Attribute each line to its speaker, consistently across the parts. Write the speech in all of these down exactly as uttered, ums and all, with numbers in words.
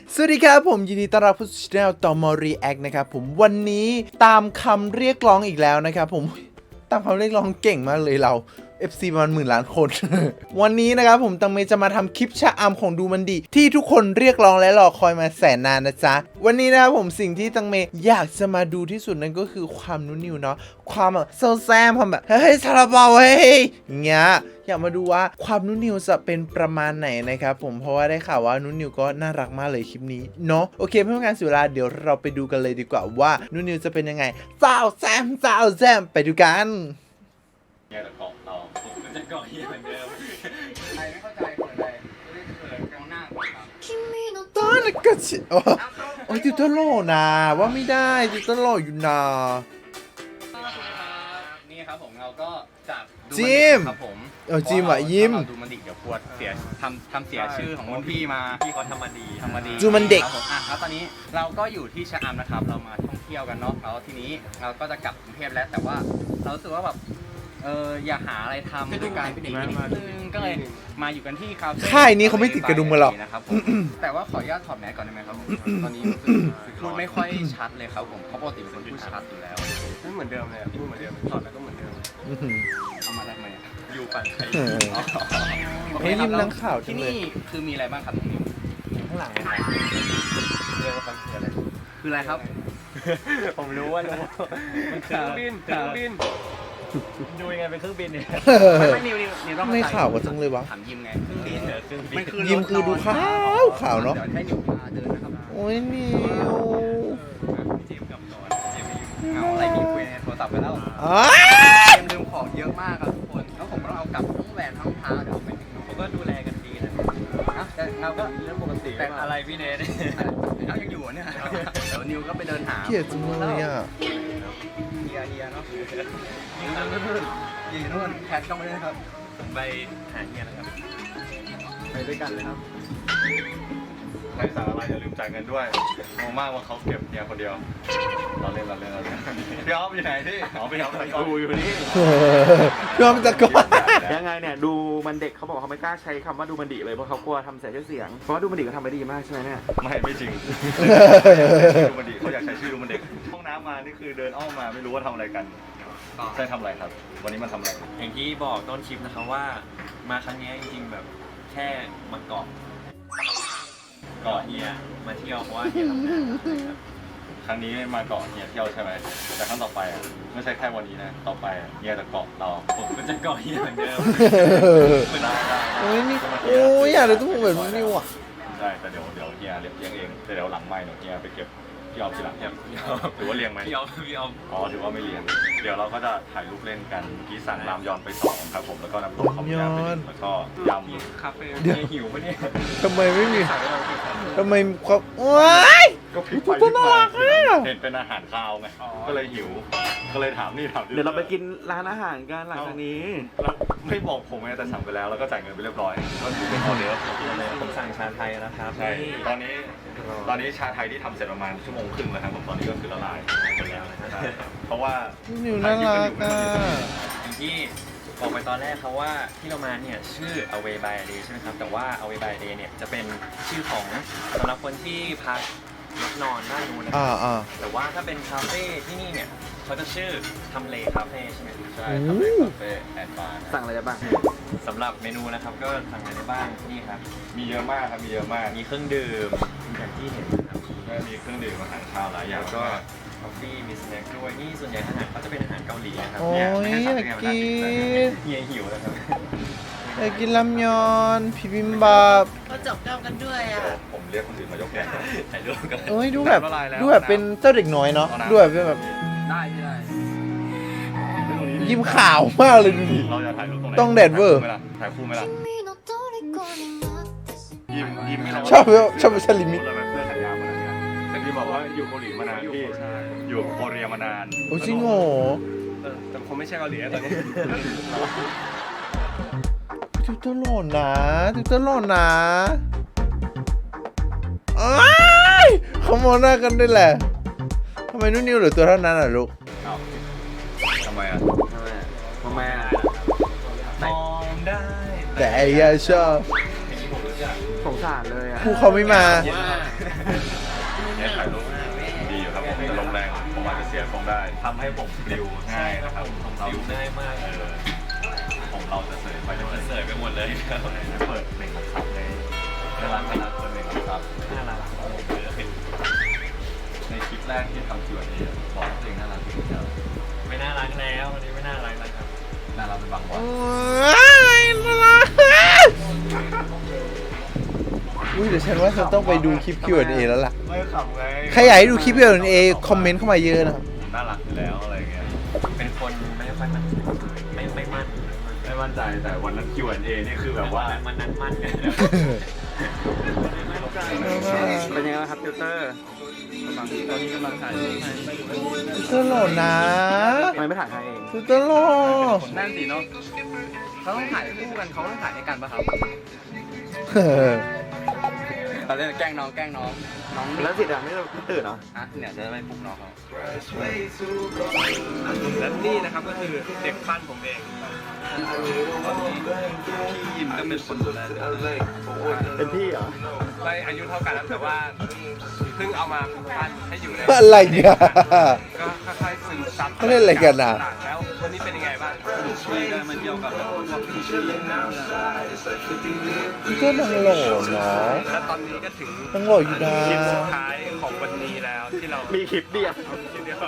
Speaker 1: สวัสดีครับผมยินดีต้อนรับผู้ชมต่อมอรีแอคนะครับผมวันนี้ตามคำเรียกร้องอีกแล้วนะครับผมตามคำเรียกร้องเก่งมากเลยเรา เอฟ ซี ประมาณหมื่นล้านคน วันนี้นะครับผมตังเมจะมาทำคลิปชะอำของดูมันดีที่ทุกคนเรียกร้องและรอคอยมาแสนนานนะจ๊ะวันนี้นะครับผมสิ่งที่ตังเมอยากจะมาดูที่สุดนั่นก็คือความนุ่นนิวเนาะความแบบโซแซมความแบบเฮ้ยซาลาเปาเฮ้ยอย่างเงี้ยอยากมาดูว่าความนุ่นนิวจะเป็นประมาณไหนนะครับผมเพราะว่าได้ข่าวว่านุ่นนิวก็น่ารักมากเลยคลิปนี้เนาะโอเคเพื่อไม่ให้การเสียเวลาเดี๋ยวเราไปดูกันเลยดีกว่าว่านุ่นนิวจะเป็นยังไงสาวแซมสาวแซมไปดูกัน
Speaker 2: เนี่ยแต่เกาะเราผมก็จะเกาะเฮียเหมือนเดิมใครไม่เข้าใจเขินอะไรไม่ได้เขินกลางหน้าครับ
Speaker 1: ตอนนั้นก็ชิโอ้โอ้ยติวเตอร์โลนะว่าไม่ได้ติวเตอร์โลอยู่นะ
Speaker 2: นี่ครับผมเราก็จาก
Speaker 1: จิม
Speaker 2: ครับผม
Speaker 1: เออจิมอ่ะยิ้ม
Speaker 2: ดูมันดิเดี๋ยวปวดเสียทำทำเสียชื่อของรุ่นพี่มาพี่เขาทำมาดีทำมาดี
Speaker 1: จูมันเด็ก
Speaker 2: ครับผมอ่ะแล้วตอนนี้เราก็อยู่ที่ชะอำนะครับเรามาท่องเที่ยวกันเนาะแล้วทีนี้เราก็จะกลับกรุงเทพแล้วแต่ว่าเรารู้สึกว่าแบบเอออย่าหาอะไรทำด้วยกันอีกนิดนึงก็เลยมาอยู่กันที่คาเฟ่
Speaker 1: ค่ายนี้เขาไม่ติดกระดุมกันหรอก
Speaker 2: นะครับผมแต่ว่าขออนุญาตถอดแมสก่อนได้ไหมครับผมตอนนี้รู้สึกพูดไม่ค่อยชัดเลยครับผมเพราะปกติเป็นคนพูดชัดอยู่แล้วไม่เหมือนเดิมเลยพูดเหมือนเดิมถอดแล้วก็เหมือนเดิมเอามาทำไมอยู่ฝั่งใคร
Speaker 1: เฮ้ยยิ้มนั่งข่าวจั
Speaker 2: ที่
Speaker 1: งเลย
Speaker 2: นี่คือมีอะไรบ้างครับตรงนี้ข้างหลังเรียกว่าคืออะไรคืออะไรครับผมรู้ว่ารู้มันคือเครื่องบินเครื่องบินดูยังไงเป็นเครื่องบินเนี่ยไม่ไม่นิวนิวนิวต้อง
Speaker 1: ไม่ข่าวกันจังเลยวะ
Speaker 2: ถามยิมไงเครื่องบินเครื่องบิน
Speaker 1: ยิมคือดูขาวขาวเนาะ
Speaker 2: เดี๋ยวให้นิวพาเดินนะครับ
Speaker 1: โอ้ยนิว
Speaker 2: เจมกับนอนเจมเหงาอะไรมีคุยในโทรศัพท์ไปแล้ว
Speaker 1: อ้า
Speaker 2: เจมลืมของเยอะมากครับทุกคนแล้วผมก็ต้องเอากลับทั้งแหวนทั้งเท้าเดี๋ยวไปผมก็ดูแลกันดีนะแต่เราก็เรื่องปกติแต่อะไรพี่เนทเรายังอยู่เนี่ยเดี๋ยวนิวก็ไปเดินหา
Speaker 1: เกลียดจังเลยอ่ะ
Speaker 2: เฮียเฮียเนาะยืนนู่นยืนนู่นแคทต้องไปด้วยครับผมไปหาเฮียนะครับไปด้วยกันเลยครับใครสารอะไรอย่าลืมจ่ายเงินด้วยงงมากว่าเขาเก็บเฮียคนเดียวเราเล่นเราเล่นเราเล่นพี่อ๊อฟอยู่ไหนที่อ๋อพี่อ๊อฟดูอยู่นี่
Speaker 1: ยอมจะก่อน
Speaker 3: ยังไงเนี่ยดูมันเด็กเขาบอกเขาไม่กล้าใช้คำว่าดูมันดีเลยเพราะเขากลัวทำเสียชื่อเสียงเพราะว่าดูมันดีก็ทำไม่ดีมากใช่ไหมเนี่ย
Speaker 2: ไม่ไม่จริงดูมันดีเขาอยากใช้ชื่อดูมันเด็กห้องน้ำมานี่คือเดินอ้อมมาไม่รู้ว่าทำอะไรกันใช่ทำอะไรครับวันนี้มันทำอะไร
Speaker 4: อย่างที่บอกต้นคลิปนะครับว่ามาครั้งนี้จริงๆแบบแค่มาเกาะเกาะเฮียมาเที่ยวเพราะว่าเฮียทำงานนะครับ
Speaker 2: ครั้งนี้มาเกาะเฮียเที่ยวใช่ไหมแต่ครั้งต่อไปอ่ะไม่ใช่แค่วันนี้นะต่อไปเฮียจะเกาะเรา
Speaker 4: ผมก็จะเกาะเฮียเหมือนเดิม
Speaker 2: ได้ได้
Speaker 1: โอ้ยนี่โอ้ยอยากเลยต้องเหมือนนิวอ่ะ
Speaker 2: ใช่แต่เดี๋ยวเดี๋ยวเฮียเลี้ยงเองเดี๋ยวหลังไม่เดี๋ยวเฮียไปเก็บพี่ออมทีหลังเนี่ยถือว่าเลี้ยงไหม
Speaker 4: พี่ออมพี่ออม
Speaker 2: อ๋อถือว่าไม่เลี้ยงเดี๋ยวเราก็จะถ่ายรูปเล่นกันที่สั่งรามยอนไปสองครับผมแล้วก็น้ำตกคอมยอนไปหนึ่งแล้วก็ยำ
Speaker 4: คาเฟ่เฮียหิวปะเนี่ย
Speaker 1: ทำไมไม่มีทำไมความว้าย
Speaker 2: ก็พลิกไป
Speaker 1: ตัวน่ารักอ่ะ
Speaker 2: เห็นเป็นอาหารคาวไงก็เลยหิวก็เลยถามนี่ถาม
Speaker 3: เดี๋ยวเราไปกินร้านอาหารกันหลังจากนี้
Speaker 2: แล้วไม่บอกผมไงแต่สั่งไปแล้วแล้วก็จ่ายเงินไปเรียบร้อยก็ถือเป็นออเดอร์
Speaker 4: ผมสั่งชาไทยนะครับ
Speaker 2: ใช่ตอนนี้ตอนนี้ชาไทยที่ทำเสร็จประมาณชั่วโมงครึ่งแล้วครับผมตอนนี้ก็คือละลายหมดแล้วนะครับเพราะว่า
Speaker 1: นิวน่ารักอ่ะ
Speaker 4: อย่างที่บอกไปตอนแรกเขาว่าที่เรามาเนี่ยชื่อ Away by a Day ใช่ไหมครับแต่ว่า Away by a Day เนี่ยจะเป็นชื่อของสำหรับคนที่พักรถนอนด้านนู้นนะค
Speaker 1: อ่า
Speaker 4: รับ
Speaker 1: อ่า
Speaker 4: แต่ว่าถ้าเป็นคาเฟ่ที่นี่เนี่ยเขาจะชื่อทำเลคาเฟ่ใช่ไหม
Speaker 2: ใช่ทำเป็นคาเฟ่แอนด์บาร์
Speaker 3: สั่งอะไรได้บ้าง
Speaker 4: สำหรับเมนูนะครับก็สั่งอะไรได้บ้างนี่ครับ
Speaker 2: มีเยอะมากครับมีเยอะมาก
Speaker 4: มีเครื่องดื่มอย่างที่เห็นนะครับ
Speaker 2: ก็มีเครื่องดื่มอาหารคาวหลายอย่าง
Speaker 4: แล้วก็กาแฟมีสแน็คด้วยนี่ส่วนใหญ่อาหารเขาจะเป็นอาหารเกาหลีนะครับ
Speaker 1: โอ้ย
Speaker 4: เนี่
Speaker 1: อยากกิน
Speaker 4: เฮียหิวแล้วครับ
Speaker 1: อยากกินลำยอนพิบิมบับ
Speaker 5: ก็จบเก้ากันด้วยอ่ะ
Speaker 2: ผมเรียกคนอื่นมายกแกง
Speaker 4: ถ่ายรูปกัน
Speaker 1: เอ้ยดูแบบดูแบบเป็นเจ้าเด็กน้อยเนาะดูแบบเป็นแบบ
Speaker 2: ได้ที่ได้
Speaker 1: ยิ้มขาวมากเลยดูดิ
Speaker 2: เราจะถ่ายรูปตรงไหน
Speaker 1: ต้องแดดเวอร์
Speaker 2: ถ่ายคู่ไหมล่ะยิ้มยิ้มไม่
Speaker 1: ชอบชอบชาลิมิ
Speaker 2: เราเป็นเพื่อนขายยาวมานานแต่ที่บอกว่าอยู่เกาหลีมานานพี่อยู่โคเรียมานาน
Speaker 1: โอ้จริงเหรอ
Speaker 2: แต่คงไม่ใช่เกาหลีตอนนี้
Speaker 1: ติวเตอร์หล่อนะติวเตอร์หล่อนะอ้ายเขามองหน้ากันด้วยแหละทำไมนุ่นนิวเหลือตัวเท่านั้นอ่ะลูก
Speaker 2: ทำไมอ่ะ
Speaker 3: ทำไมอ่ะ
Speaker 4: มองได้
Speaker 1: แต่ไอ้ยาชอบ
Speaker 3: สงสารเลยอ่ะ
Speaker 1: ผู้เขาไม่มา
Speaker 4: ว่า
Speaker 2: เนี่ยถ่ายรูปดีอยู่ครับผมแต่ลมแรงผมอาจจะเสียทรงได้ทำให้ผมปลิวง่ายนะครับผมเรา
Speaker 4: ผิวง่ายมาก
Speaker 2: เออผมเราจะเสยไปจะ
Speaker 4: มันเสยไปหมดเลยครับ
Speaker 2: เปิดเพลงของซับในน่ารักน่ารักเปิดเพลงของซับ
Speaker 4: น่ารัก
Speaker 2: ในคลิปแรกที่ทำคิวอันนี้บอกเพลงน่ารักที่สุดแล้ว
Speaker 4: ไม่น่ารักแล้ววันนี้ไม่น่ารักแล้วครับ
Speaker 2: น่ารักเป็นบางวัน
Speaker 1: โอ้ยน่ารักอุ้ยเดี๋ยวฉันว่าฉันต้องไปดูคลิป คิว แอนด์ เอ แล้วล่ะ
Speaker 2: ไม่ขำไง
Speaker 1: ใครอยากให้ดูคลิป คิว แอนด์ เอ คอมเมนต์เข้ามาเยอะนะครับ
Speaker 2: น่ารักอยู่แล้วอะไรเงี้ย
Speaker 4: เป็นคนไม่ค่อยมั่นไม่ไม่มั่น
Speaker 2: ไม่มั่นใจแต่วันนั้น คิว แอนด์ เอ นี่คือแบบว่า
Speaker 4: มันนั้นมั่นกัน
Speaker 3: เป็นยังไงบ้างครับติวเตอร์ตอนนี้กำลังถ่ายรูปให้
Speaker 1: ตลอดนะ
Speaker 3: ทำไมไม่ถ่ายให้เอง
Speaker 1: สุดตลอด
Speaker 2: นั่นสิเนาะเขาต้องถ่ายคู่กันเขาต้องถ่ายด้วยกันป่ะครับ เราเล่นแกล้งน้องแกล้งน้องน้อง
Speaker 3: แล้วสิทธิ์อ่ะไม่ไม่ตื่นเหรอ
Speaker 2: อ่ะเนี่ยจะไปปลุกน้องเขาและนี่นะครับก็คือเด็กปั้นผมเองตอนนี้พี่ยิมก็เป็นคนดูแลเลย
Speaker 3: เป็นพี่เหรอ
Speaker 2: ไม่อายุเท่ากันแล้วแต่ว่าเพิ่งเอามาปั้นให้อยู่ใน
Speaker 1: อะไรเนี่ย
Speaker 2: ก็ค่อยๆซึมซับ
Speaker 1: เขาเล่นอะไรกันอ่ะ
Speaker 2: แล้ววันนี้เป็นยังไงบ้างสนุกดีได้มาเที่ยวกับพวกพี่ชื่อ
Speaker 1: พี่ก็นังหล่อเนาะ
Speaker 2: และตอนนี้ก็ถึง
Speaker 1: นังหล่ออยู่นะ
Speaker 2: คลิปสุดท้ายของวันนี้แล้วที่เรา
Speaker 3: มีคลิปเดียว
Speaker 2: คิดเดียว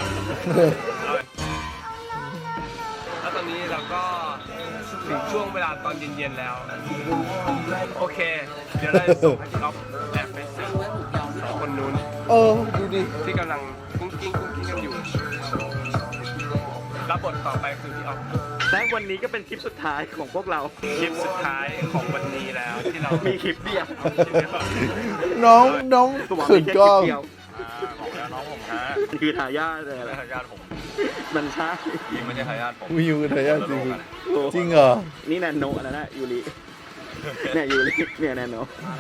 Speaker 2: แล้วตอนนี้เราก็ถึงช่วงเวลาตอนเย็นๆแล้ว โอเค เดี๋ยวเราจะส่งให้พี่อ๊อฟแอบไปสืบสองคนนู้น
Speaker 1: เออ ดูดิ
Speaker 2: ที่กำลังกุ้งกิ้งกุ้งกิ้งกันอยู่รับบทต่อไปคือพี่อ๊อฟ
Speaker 3: และวันนี้ก็เป็นคลิปสุดท้ายของพวกเรา
Speaker 2: คลิปสุดท้ายของวันนี้แล้วที่เรา
Speaker 3: มีคลิปเดียว
Speaker 2: คิดเดียว
Speaker 1: น้องน้อง
Speaker 3: ตัว
Speaker 1: ขื
Speaker 3: มี
Speaker 1: น
Speaker 3: แค่
Speaker 1: ก
Speaker 3: ค
Speaker 1: ล้
Speaker 3: ลิ
Speaker 1: อง
Speaker 3: ปเดียว
Speaker 2: ของแล้วน้องผมฮะ
Speaker 3: คือทายาทเลยแหละ
Speaker 2: ทายาทผม
Speaker 3: มันใช่
Speaker 2: ยิงไม่ใช่ทายาทผม
Speaker 1: วิวเธอยากจริง
Speaker 3: โอ้
Speaker 1: จริงเหรอ
Speaker 3: นี่แนนโนแล้วนะยูริเนี่ยยูริเนี่ยแนนโน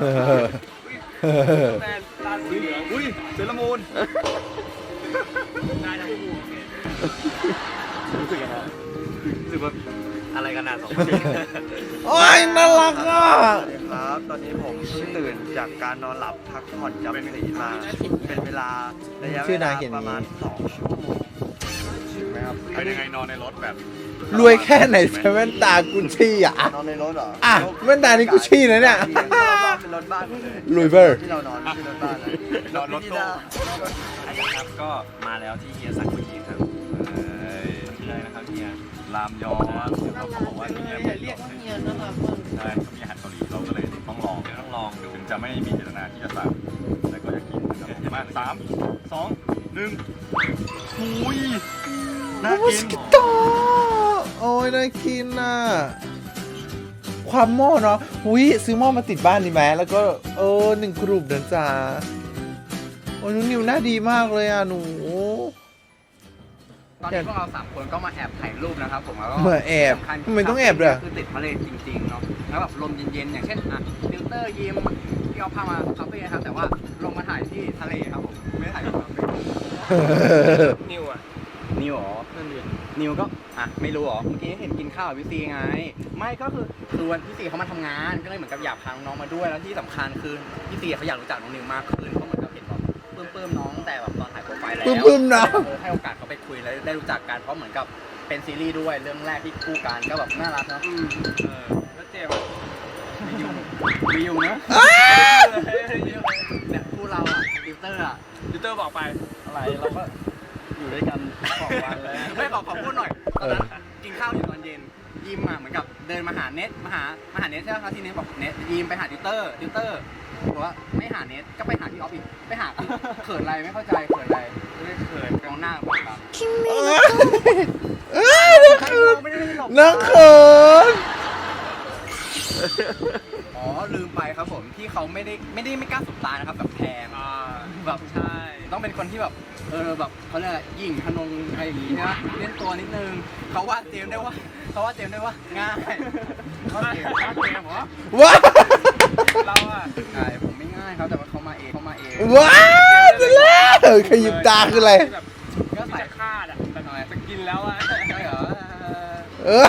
Speaker 2: แมนตาสีเหลืองอุ้ยเซรามูนได้ทั้งคู่
Speaker 3: รู้สึกยังไง
Speaker 2: รู้สึกว่าอะไรกันน่ะสองคน
Speaker 1: โอ้ยน่ารักอ่ะ
Speaker 5: ครับ ตอนนี้ผมเพิ่งตื่นจากการนอนหลับพักผ่อนจำศีลมา เป็นเวลาระยะเวลาประมาณสองชั่วโมงถึงไหมครับ
Speaker 2: เป็นยังไงนอนในรถแบบ
Speaker 1: รวยแค่ไหนใช้แว่นตากุชชี่อ่ะ
Speaker 5: นอนในรถเหรอ
Speaker 1: อ่ะแว่นตานี่กุชชี่นะเนี่ย
Speaker 5: เป็นรถบ้านหมดเลย
Speaker 1: ลุยเบอร์
Speaker 5: ที่เรานอนไม่ใช่รถบ้านนะ
Speaker 2: นอนรถตู้
Speaker 4: ครับก็มาแล้วที่เฮียสั่งเมื่อกี้ครับได้นะครับเฮีย
Speaker 2: รามยอครับเราเขาบอกว่าที่นี่เรียกว่าเฮียนะครับใช่เขามีอาหารเกาหลีเราก็เลยต้องลอง
Speaker 4: เดี๋ยวต้องลองดู
Speaker 2: ถึงจะไม่มีเจตนาที่จะสั่งแต่ก็จะกินนะครับมาสามสองหนึ่งอุ้ยน่ากิน
Speaker 1: ต่อโอ้ยน่ากินน่ะ ความหม้อเนาะอุ้ยซื้อหม้อมาติดบ้านดีไหมแล้วก็เออหนึ่งกลุ่มนะจ๊ะโอ้ยนุ่นนิวหน้าดีมากเลยอ่ะหนู
Speaker 5: ตอนนี้พวกเราสามคนก็มาแอบถ่ายรูปนะครับผมแล้วก็
Speaker 1: มาแอบ
Speaker 5: สำคัญ
Speaker 1: ทำไมต้องแอบด้วย
Speaker 5: คือติดทะเลจริงๆเนาะแล้วแบบลมเย็นๆอย่างเช่นอ่ะฟิลเตอร์ยิมที่เอาพามาคาเฟ่นะครับแต่ว่าลงมาถ่ายที่ทะเลครับผมไม่ได้ถ่ายที่คาเฟ่
Speaker 2: นิวอ่ะ
Speaker 5: นิวเหรอนิวก็อ่ะไม่รู้เหรอเมื่อกี้เห็นกินข้าวกับพี่ซีไง ไม่ก็คือคือวันพี่ซีเขามาทำงานก็เลยเหมือนกับอยากพาน้องมาด้วยแล้วที่สำคัญคือพี่ซีเขาอยากรู้จักน้องนิวมากขึ้นเพราะเหมือนกับเห็นแบบปลื้มๆน้องแต่แบบตอนถ่ายโปรไฟล์แล้ว
Speaker 1: ปลื้มๆนะ
Speaker 5: เออให้โอกาสเขาไปคุยแล้วได้รู้จักกันเพราะเหมือนกับเป็นซีรีส์ด้วยเรื่องแรกที่คู่กันก็แบบน่ารักเนาะ
Speaker 2: อืมเออแล้วเจมส์
Speaker 5: วิวนะเนี่ยคู่เราอ่ะติวเตอร์อ่ะ
Speaker 2: ยูเตอร์บอกไป
Speaker 5: อะไรเราก็อยู่ด้วยกันสองวันเลยไม่ขอขอพูดหน่อยตอนนั้นกินข้าวอยู่ตอนเย็นยิมอ่ะเหมือนกับเดินมาหาเน็ตมาหามาหาเน็ตใช่ไหมครับที่เน็ตบอกเน็ตยิมไปหาติวเตอร์ติวเตอร์บอกว่าไม่หาเน็ตก็ไปหาพี่ออฟอีกไปหาเขินอะไรไม่เข้าใจเขินอะไรไม่เขินกองหน้าบอกครับ
Speaker 1: เอ้ยน่าเขิน
Speaker 5: ไม่ได้หลบ
Speaker 1: น่าเขิน
Speaker 5: อ๋อลืมไปครับผมที่เขาไม่ได้ไม่ได้ไม่กล้าสบตานะครับแบบแพง
Speaker 2: อ่า
Speaker 5: แบบใช่ต้องเป็นคนที่แบบเออแบบเขาเรียกอะไรหยิ่งทะนงอะไรอย่างงี้นะเล่นตัวนิดนึงเขาว่าเจมส์ได้ว่าเขาว่าเจมส์ได้ว่าง่ายเขาเจมส์เขาเจมส์เหรอ
Speaker 1: ว้า
Speaker 2: เราอ่ะ
Speaker 5: ใช่ผมไม่ง่ายครับแต่ว่าเขามาเองเขามาเอง
Speaker 1: ว้าไปแล้วขยิบตาคืออะไร
Speaker 2: แบบ
Speaker 5: ก็
Speaker 2: ที่
Speaker 5: ใส่
Speaker 2: จะคาดอ่ะแต่จะกินแล้วอ่ะ
Speaker 5: ใช่เหรอ
Speaker 1: เออ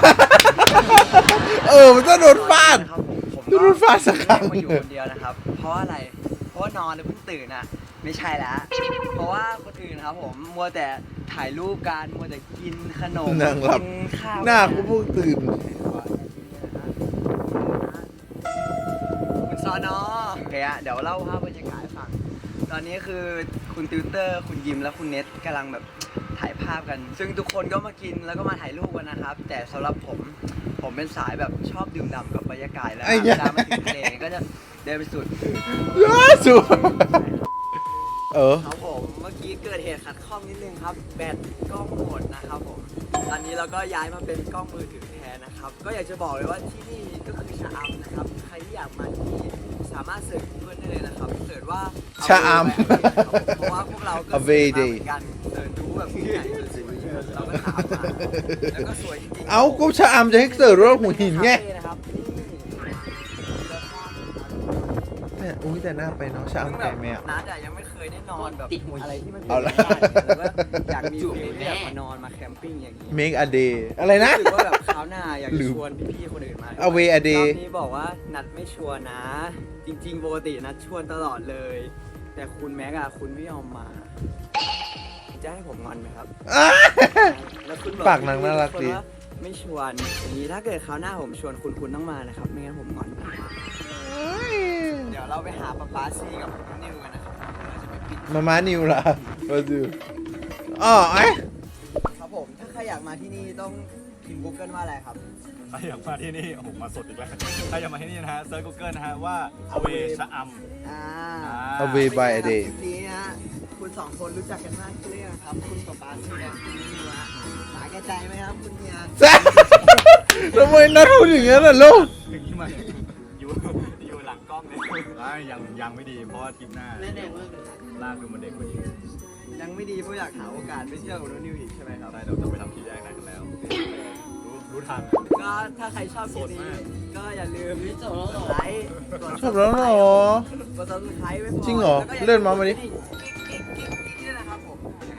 Speaker 1: เออมันจะโดนฟาด
Speaker 5: ครับผมผม
Speaker 1: โดนฟาดสักครั้ง
Speaker 5: มาอยู่คนเดียวนะครับ เพราะอะไรเพราะ
Speaker 6: ราะว่านอนแล้วเพิ่งตื่นอ่ะไม่ใช่แล้วเพราะว่าคนอื่นครับผมมัวแต่ถ่ายรูปกันมัวแต่กินขนม
Speaker 1: นั่งหลับ
Speaker 6: กินข้าว
Speaker 1: หน้ากูเพิ่งตื่น
Speaker 6: คุณซอนอโอเคอะเดี๋ยวเล่าภาพบรรยากาศให้ฟังตอนนี้คือคุณติวเตอร์คุณยิมและคุณเน็ตกำลังแบบถ่ายภาพกัน ซึ่งทุกคนก็มากินแล้วก็มาถ่ายรูปกันนะครับ แต่สำหรับผมผมเป็นสายแบบชอบดื่มด่ำกับบรรยากาศแล้ว
Speaker 1: ไอ้
Speaker 6: เว
Speaker 1: เหี้ย
Speaker 6: ลามาถึงทะเลก็จะเดินไปสุด
Speaker 1: สุดเออ
Speaker 6: ครับผมเมื่อกี้เกิดเหตุขัดข้องนิดนึงครับแบตกล้องหมดนะครับผมตอนนี้เราก็ย้ายมาเป็นกล้องมือถือแทนนะครับก็อยากจะบอกเลยว่าที่นี่ก็คือชะอำนะครับใครที่อยากมาที่นี่สามารถเสิร์ช Google ได้เลยนะครับเสิร์ชว่า
Speaker 1: ชะอำ
Speaker 6: เพราะว่าพวกเราก็
Speaker 1: Away
Speaker 6: เสิร์ชมา
Speaker 1: Day
Speaker 6: เหมือนกันเสิร์ชดูแบบที่ไหนสวยๆเราก็ถามมาแล้วก็สวยจริงๆ
Speaker 1: เอาก็ชะอำจะให้เสิร์ฟว่าหัวหินไง
Speaker 6: นะครับนี่
Speaker 1: เนี่ยอุ้ยแต่หน้าไปเนาะชะอำไก่แม่
Speaker 6: นัดอะยังไม่เคยได้นอนแบบอะไรที่มัน
Speaker 1: เอาละ
Speaker 6: แล้วก็อยากมีฟิลที่แบบมานอนมาแคมปิ้งอย่างนี้
Speaker 1: make a day อะไรนะ
Speaker 6: รู้สึกว่าแบบคราวหน้าอยาก
Speaker 1: ลื
Speaker 6: จะ
Speaker 1: ม
Speaker 6: ชวนพี่ๆคนอื่นมา
Speaker 1: Away a day
Speaker 6: รอบนี้บอกว่านัดไม่ชวนนะ จริงๆปกตินัดชวนตลอดเลย แต่คุณแม็กอะคุณไม่ยอมมา จะให้ผมงอนไหมครับ
Speaker 1: อ่ะ
Speaker 6: แล้วคุณบอก
Speaker 1: ปากนางน่ารักดี
Speaker 6: พี่ๆทุคนว่าไม่ชวนอย่างนี้ถ้าเกิดคราวหน้าผมชวนคุณคุณต้องมานะครับ ไม่งั้นผมงอน เดี๋ยวเราไปหาป๊าป๊าซีกับน้องนิวกันนะครับเราจะไปปิด
Speaker 1: มาม้านิวล่ะมาดูอ๋อไอ้
Speaker 6: ครับผมถ้าใครอยากมาที่นี่ต้องพิมพ์ Google ว่าอะไรครับ
Speaker 2: ถ้าอยากมาที่นี่โอ้โหมาสดอีกแล้วถ้าอยากมาที่นี่นะฮะเซิร์ช Google นะฮะว่า Away ชะอำ
Speaker 6: อ่า
Speaker 1: Away by a day
Speaker 6: คลิปนี้นะฮะคุณสองคนรู้จักกันมากขึ้นหรือยังครับ คุณป๊าป๊าซีและคุณนิวฮะสาแก่ใจไหมครับคุณเฮีย
Speaker 1: ทำไมนัดพูดอย่างนั้นล่ะลูก
Speaker 2: ถึงที่มาอยู่อยู่หลังกล้องเลยยังยังไม่ดีเพราะว่าทริปหน้าลากดูมันเด็กกว่านี้
Speaker 6: ยังไม่ดีเพราะอยากหาโอกาสไปเที่ยวกับน้องนิวอีกใช่ไหมครับ
Speaker 2: ได้เราจะไปทำที่แยกนั้นกันแล้ว รู้รู้ทัน
Speaker 6: ก็ถ้าใครชอบคลิปนี้ก็อย่าลืมไลค์กด
Speaker 1: ชอบแล้วเหรอ
Speaker 6: กด Subscribe ไว้พอ
Speaker 1: จริงเหรอ
Speaker 6: แล้วก็ย่
Speaker 1: เลื่อนมามาดิ
Speaker 6: นี่นะครับผม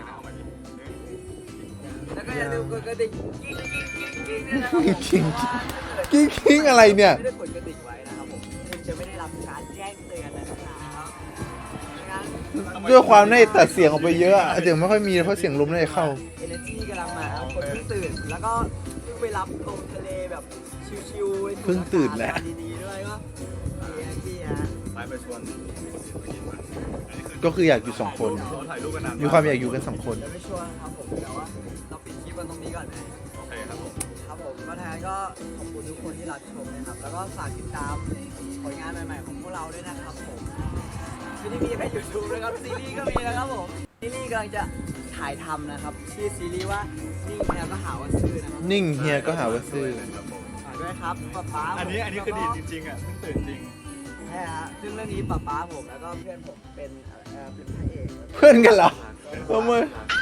Speaker 6: แล้วก็อย่าลืมกดกระดิ่งกิ๊งกิ๊งกิ๊งกิ๊งด้วยนะครับผม
Speaker 1: กิ๊ง
Speaker 6: เพราะว่าถ้าเกิด
Speaker 1: กิ้งกิ้งอะไรเนี่ย
Speaker 6: ไม่ได้กดกระดิ่งไว้นะครับผมคุณจะไม่ได้รับการแจ้งเตือนนะครับงั้น
Speaker 1: ด้วยความในตัดเสียงออกไปเยอะอะเสียงไม่ค่อยมีเพราะเสียงลมน่าจะเข้า
Speaker 6: เอเนจีกำลังมาครับคนเพิ่งตื่น แล้วก็เพิ่งไปรับลมทะเลแบบชิวๆ
Speaker 1: เพิ่งตื่นแหละ
Speaker 6: ดีๆด้วยก็ดีนะพี่ฮะ
Speaker 2: ไปไปชวน
Speaker 1: ก็คืออยากอยู่สองคน
Speaker 2: เราถ่ายรูปกันนาน
Speaker 1: มีความอยากอยู่กันสองคน
Speaker 6: เดี๋ยวไม่ชวนครับผมแต่ว่าเราปิดคลิปกันตรงนี้ก่อนไหม
Speaker 2: โอเคครับผม
Speaker 6: ครับผมก็ทางนั้นก็ขอบคุณทุกคนที่รับชมนะครับ แล้วก็ฝากติดตามผลงานใหม่ๆของพวกเราด้วยนะครับผมไม่ได้มีแค่ยูทูบนะครับซีรีส์ก็มีนะครับผมซีรีส์กำลังจะถ่ายทำนะครับชื่อซีรีส์ว่านิ่งเฮียก็หาว่าซื่อนะครับ
Speaker 1: นิ่งเฮียก็หาว่าซื่อ
Speaker 6: ฝากด้วยครับป๊าป๊า
Speaker 2: อันนี้อันนี้คือดีจริงๆอ่ะเพิ่งตื่นจริง
Speaker 6: ใช่ฮะซึ่งเรื่องนี้ป๊าป๊าผมแล้วก็เพื่อนผมเป็นเอ่อเป็นพระเอก
Speaker 1: เพื่อนกันเหรอทำไม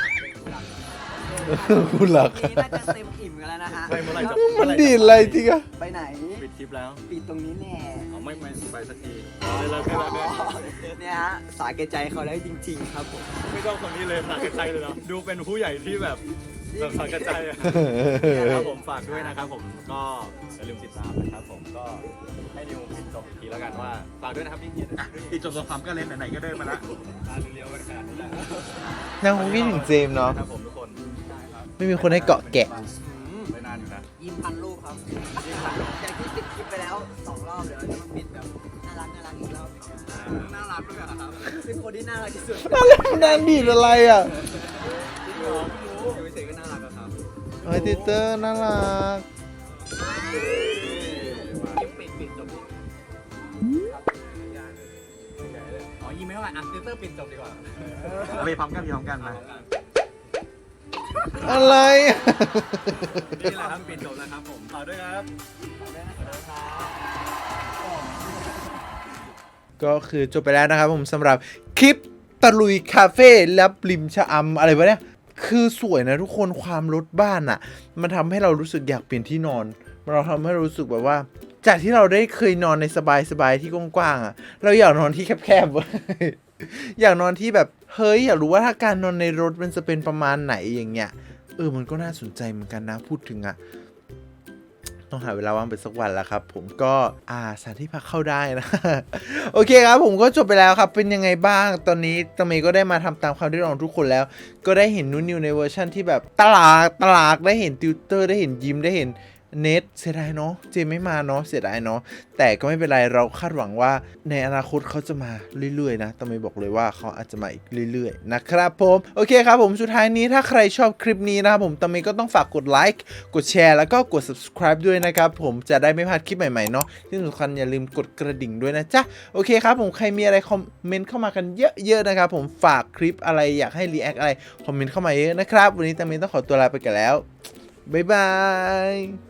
Speaker 1: คุณหลัก
Speaker 6: นี่น่าจะเต็มอิ่มกันแล้วนะฮะ
Speaker 2: ไม่เมื่อไหร่จะ
Speaker 1: มันดีดอะไรจริงอะ
Speaker 6: ไปไหน
Speaker 2: ปิดทริปแล้ว
Speaker 6: ปิดตรงนี้แน่
Speaker 2: เอาไม่ไม่ไปสักทีเลยเลยเลยเลย
Speaker 6: เนี่ยฮะสาแก่ใจเขาได้จริง ๆ ครับผม
Speaker 2: ไม่ต้องคนนี้เลยสักกระใจเลยเนาะดูเป็นผู้ใหญ่ที่แบบแบบสักกระใจอะครับผมฝากด้วยนะครับผมก็อย่าลืมติดตามนะครับผมก็ให้นิวปิดจบอีกทีแล้วกันว่าฝากด้วยนะครับพี่เกียรติปิดจบสงครามก็เล่นไหนๆก็เดินมาละมาเลี้ยวๆกันขนาดนี้แหละ
Speaker 1: ยังคงคิดถึงเจมส์เนาะ
Speaker 2: ครับผมทุกคน
Speaker 1: ไม่มีคนให้เกาะแกะ
Speaker 2: ไม่นานอยู่นะ
Speaker 6: ยิ้มพันรูปครับจากที่ติดคลิปไปแล้วสองรอบเดี๋ยวเราจะมาปิดแบบน่ารักน่ารักอีกรอบน่ารักด้วยครับเป็นคนที่น่ารักที่สุด
Speaker 1: นั่นแหละนางดีดอะไรอะ
Speaker 6: จริงเหรอไม่รู้อยู่เฉยๆก็น่ารักอะครับ
Speaker 1: ไอติเตอร์น่ารัก
Speaker 6: ยิ้มปิดปิดจบดิอ๋อยิ้มไม่เท่าไหร่อ่ะติวเตอร์ปิดจบดีกว่า
Speaker 2: ไปพร้อมกันพร้อมกันนะ
Speaker 1: อะไรอะ
Speaker 2: นี่แหละครับปิดจบแล้วครับผมฝากด้วยครับ
Speaker 1: ก็คือจบไปแล้วนะครับผมสำหรับคลิปตะลุยคาเฟ่และริมชะอำอะไรวะเนี่ยคือสวยนะทุกคนความรถบ้านอะ่ะมันทำให้เรารู้สึกอยากเปลี่ยนที่นอนเราทำให้เรารู้สึกแบบว่า จากที่เราได้เคยนอนในสบายๆที่กว้างๆอะ่ะเราอยากนอนที่แคบๆเว้ย อยากนอนที่แบบเฮ้ยอยากรู้ว่าถ้าการนอนในรถมันจะเป็นประมาณไหนอย่างเงี้ยเออมันก็น่าสนใจเหมือนกันนะพูดถึงอะ่ะต้องหาเวลาว่างไปสักวันแล้วครับผมก็อ่าสถานที่พักเข้าได้นะ โอเคครับผมก็จบไปแล้วครับเป็นยังไงบ้างตอนนี้ตะเมย์ก็ได้มาทำตามความเรียกร้องทุกคนแล้ว ก็ได้เห็นนุ่นนิวในเวอร์ชั่นที่แบบตลากตลากได้เห็นติวเตอร์ได้เห็นยิ้มได้เห็นเน็ตเสียดายเนาะเจมไม่มาเนาะเสียดายเนาะแต่ก็ไม่เป็นไรเราคาดหวังว่าในอนาคตเขาจะมาเรื่อยๆนะตะเมย์บอกเลยว่าเขาอาจจะมาอีกเรื่อยๆนะครับผมโอเคครับผมสุดท้ายนี้ถ้าใครชอบคลิปนี้นะครับผมตะเมย์ก็ต้องฝากกดไลค์กดแชร์แล้วก็กด subscribe ด้วยนะครับผมจะได้ไม่พลาดคลิปใหม่ๆเนาะที่สำคัญอย่าลืมกดกระดิ่งด้วยนะจ๊ะโอเคครับผมใครมีอะไรคอมเมนต์เข้ามากันเยอะๆนะครับผมฝากคลิปอะไรอยากให้รีแอคอะไรคอมเมนต์เข้ามาเยอะนะครับวันนี้ตะเมย์ต้องขอตัวลาไปกันแล้วบ๊ายบาย